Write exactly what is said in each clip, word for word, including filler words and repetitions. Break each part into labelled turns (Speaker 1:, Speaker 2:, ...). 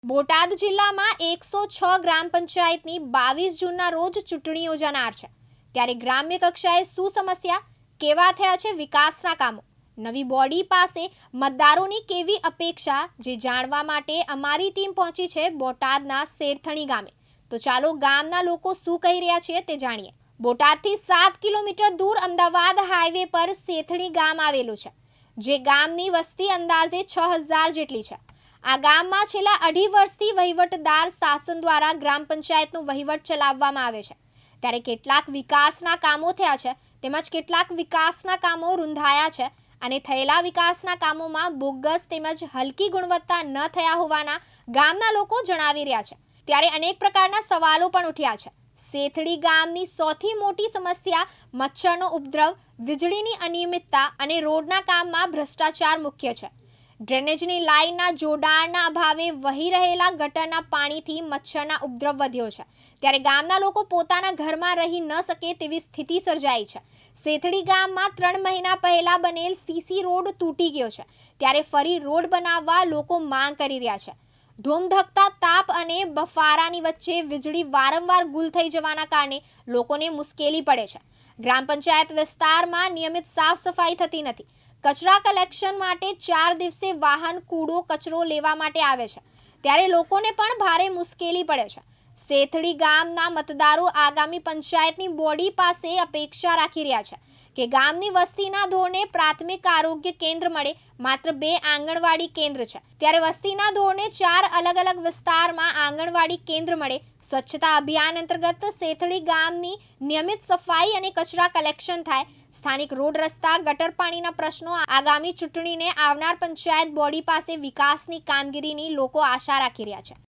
Speaker 1: બોટાદ જિલ્લામાં એકસો છ ગ્રામ પંચાયતની બાવીસ જૂનના રોજ ચૂંટણી યોજાનાર છે। ત્યારે ગ્રામ્ય કક્ષાએ શું સમસ્યા, કેવા થયા છે વિકાસના કામો, નવી બોડી પાસે મતદારોની કેવી અપેક્ષા, જે જાણવા માટે અમારી ટીમ પહોંચી છે બોટાદના શેરથણી ગામે। તો ચાલો ગામના લોકો શું કહી રહ્યા છે તે જાણીએ। બોટાદથી સાત કિલોમીટર દૂર અમદાવાદ હાઈવે પર શેરથણી ગામ આવેલું છે, જે ગામની વસ્તી અંદાજે છ હજાર જેટલી છે। આ ગામમાં છેલ્લા અઢી વર્ષથી વહીવટદાર શાસન દ્વારા ગ્રામ પંચાયતનો વહીવટ ચલાવવામાં આવે છે। ત્યારે કેટલાક વિકાસના કામો થયા છે, તેમજ કેટલાક વિકાસના કામો રૂંધાયા છે, અને થયેલા વિકાસના કામોમાં બોગસ તેમજ હલકી ગુણવત્તા ન થયા હોવાના ગામના લોકો જણાવી રહ્યા છે। ત્યારે અનેક પ્રકારના સવાલો પણ ઉઠ્યા છે। શેરથણી ગામની સૌથી મોટી સમસ્યા મચ્છરનો ઉપદ્રવ, વીજળીની અનિયમિતતા અને રોડના કામમાં ભ્રષ્ટાચાર મુખ્ય છે। ડ્રેનેજની લાઇનના જોડાણના અભાવે વહી રહેલા ગટરના પાણીથી મચ્છરના ઉપદ્રવ વધ્યો છે। ત્યારે ગામના લોકો પોતાના ઘરમાં રહી ન શકે તેવી સ્થિતિ સર્જાઈ છે। શેરથણી ગામમાં ત્રણ મહિના પહેલા બનેલ સીસી રોડ તૂટી ગયો છે, ત્યારે ફરી રોડ બનાવવા લોકો માંગ કરી રહ્યા છે। ધૂમધકતા તાપ અને બફારાની વચ્ચે વીજળી વારંવાર ગુલ થઈ જવાના કારણે લોકોને મુશ્કેલી પડે છે। ગ્રામ પંચાયત વિસ્તારમાં નિયમિત સાફ સફાઈ થતી નથી। કચરા કલેક્શન માટે ચાર દિવસે વાહન કૂડો કચરો લેવા માટે આવે છે, ત્યારે લોકોને પણ ભારે મુશ્કેલી પડે છે। શેરથણી ગામના મતદારો આગામી પંચાયતની બોડી પાસે અપેક્ષા રાખી રહ્યા છે કે ગામની વસ્તીના ધોરણે પ્રાથમિક આરોગ્ય કેન્દ્ર મળે। માત્ર બે આંગણવાડી કેન્દ્ર છે, ત્યારે વસ્તીના ધોરણે ચાર અલગ અલગ વિસ્તારમાં આંગણવાડી કેન્દ્ર મળે। સ્વચ્છતા અભિયાન અંતર્ગત શેરથણી ગામની નિયમિત સફાઈ અને કચરા કલેક્શન થાય। સ્થાનિક રોડ, રસ્તા, ગટર પાણીના પ્રશ્નો આગામી ચૂંટણીને આવનાર પંચાયત બોડી પાસે વિકાસની કામગીરીની લોકો આશા રાખી રહ્યા છે।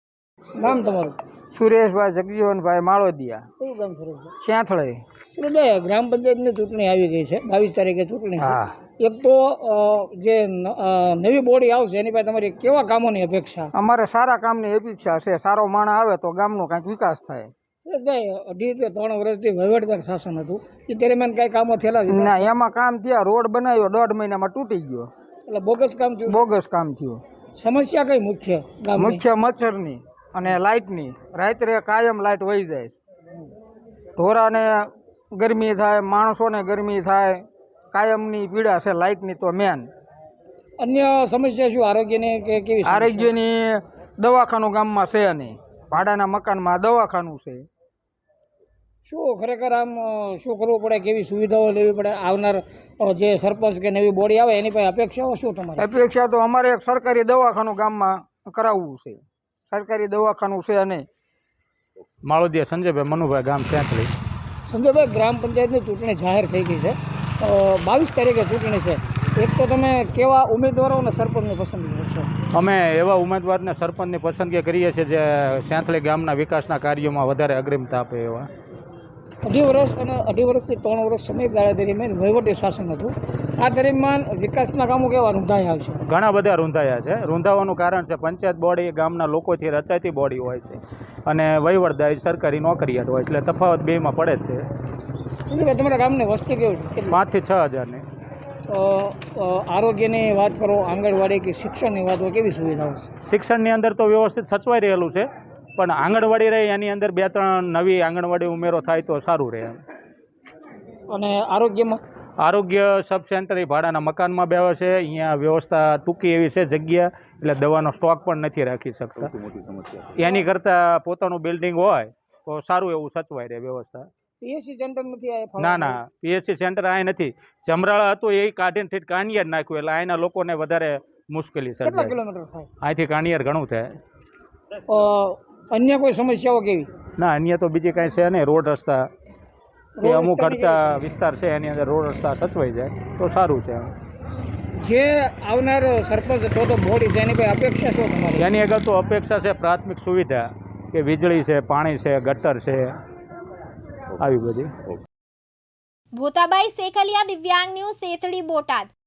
Speaker 2: નામ તમારું?
Speaker 3: સુરેશભાઈ જગજીવનભાઈ માળોદિયા,
Speaker 2: કયું ગામ સુરેશભાઈ?
Speaker 3: સ્યાથળે।
Speaker 2: સુરેશભાઈ, ગ્રામ પંચાયતની ચૂંટણી આવી ગઈ છે, બાવીસ તારીખે ચૂંટણી છે।
Speaker 3: હા,
Speaker 2: એક તો અ, જે ન- અ, નવી બોડી આવશે એની પાસે તમારી કેવા કામોની અપેક્ષા?
Speaker 3: અમારે સારા કામની અપેક્ષા છે। સારો માણસ આવે તો ગામનો કાંઈક વિકાસ થાય।
Speaker 2: સુરેશભાઈ, અઢી કે ત્રણ વર્ષથી વહીવટદાર શાસન હતું, એ દરમિયાન કઈ કામો થયેલા છે?
Speaker 3: ના, એમાં કામ થયા, રોડ બનાવ્યો, દોઢ મહિનામાં તૂટી ગયો,
Speaker 2: એટલે બોગસ કામ થયું?
Speaker 3: બોગસ કામ થયું।
Speaker 2: સમસ્યા કઈ મુખ્ય ગામની?
Speaker 3: મુખ્ય મચ્છરની અને લાઇટની। રાત્રે કાયમ લાઇટ વહી જાય, ઢોરાને ગરમી થાય, માણસોને ગરમી થાય, કાયમની પીડા છે લાઇટની તો મેન।
Speaker 2: અન્ય સમસ્યા શું આરોગ્યની કે કેવી સમસ્યા?
Speaker 3: આરોગ્યની દવાખાનું ગામમાં છે નહીં, ભાડાના મકાનમાં દવાખાનું છે।
Speaker 2: શું ખરેખર આમ અ, શું કરવું પડે, કેવી સુવિધાઓ લેવી પડે? આવનાર અ, જે સરપંચ કે નવી બોડી આવે એની પાસે અપેક્ષાઓ શું તમારી?
Speaker 3: અપેક્ષા તો અમારે એક સરકારી દવાખાનું ગામમાં કરાવવું છે। સરકારી દવાખાનું છે નહીં।
Speaker 4: માળોદિયા સંજયભાઈ મનુભાઈ, ગામ સેંથળી।
Speaker 2: સંજયભાઈ, ગ્રામ પંચાયતની ચૂંટણી જાહેર થઈ ગઈ છે, બાવીસ તારીખે ચૂંટણી છે। એક તો તમે કેવા ઉમેદવારો અને સરપંચની પસંદગી કરશો?
Speaker 4: અમે એવા ઉમેદવારને સરપંચની પસંદગી કરીએ છીએ જે સેંથળી ગામના વિકાસના કાર્યોમાં વધારે અગ્રિમતા આપે એવા।
Speaker 2: અઢી વર્ષ અને અઢી વર્ષથી ત્રણ વર્ષ સમયગાળા દરમિયાન વહીવટી શાસન હતું, આ દરમિયાન વિકાસના કામો કેવા રૂંધાયા છે?
Speaker 4: ઘણા બધા રૂંધાયા છે। રૂંધાવાનું કારણ છે પંચાયત બોડી ગામના લોકોથી રચાતી બોડી હોય છે, અને વહીવટદાર સરકારી નોકરિયાત હોય, એટલે તફાવત બેમાં પડે જ તે।
Speaker 2: સંજયભાઈ, તમારા ગામની વસ્તી કેવી છે?
Speaker 4: પાંચથી છ હજારની।
Speaker 2: અ, અ, આરોગ્યની વાત કરો, આંગણવાડી કે શિક્ષણની વાત હોય, કેવી સુવિધાઓ છે?
Speaker 4: શિક્ષણની અંદર તો વ્યવસ્થિત સચવાઈ રહેલું છે, પણ આંગણવાડી રહે એની અંદર બે ત્રણ નવી આંગણવાડી ઉમેરો થાય તો સારું રહે।
Speaker 2: અને આરોગ્યમાં?
Speaker 4: આરોગ્ય સબ સેન્ટર એ ભાડાના મકાનમાં બેવે છે, અહીંયા વ્યવસ્થા ટૂંકી એવી છે જગ્યા, એટલે દવાનો સ્ટોક પણ નથી રાખી શકતા। એની કરતાં પોતાનું બિલ્ડિંગ હોય તો સારું એવું સચવાઈ રહે વ્યવસ્થા।
Speaker 2: પીએસસી સેન્ટર નથી આ?
Speaker 4: ના ના, પીએચસી સેન્ટર આ નથી, જમરાળા હતું એ કાઢીને ઠીક કાનિયાર નાખ્યું, એટલે અહીંના લોકોને વધારે મુશ્કેલી
Speaker 2: કેટલા
Speaker 4: સર્જાય।
Speaker 2: કિલોમીટર થાય?
Speaker 4: અહીંથી કાનિયાર ઘણું થાય।
Speaker 2: અ, અન્ય કોઈ સમસ્યાઓ કેવી?
Speaker 4: ના, અન્ય તો બીજી કાંઈ છે નહીં। રોડ રસ્તા કે
Speaker 2: રોડ
Speaker 4: અમુક
Speaker 2: રસ્તાની
Speaker 4: હડતા વિસ્તાર છે એની અંદર રોડ રસ્તા સચવાઈ જાય તો સારું છે।
Speaker 2: જે આવનાર સરપંચ અથવા તો બોડી છે એની કોઈ અપેક્ષા શું તમારી?
Speaker 4: એની આગળ તો અપેક્ષા છે પ્રાથમિક સુવિધા, કે વીજળી છે, પાણી છે, ગટર છે, આવી બધી।
Speaker 1: ભૂતાબાઈ શેખલિયા, દિવ્યાંગ ન્યૂઝ, શેરથણી, બોટાદ।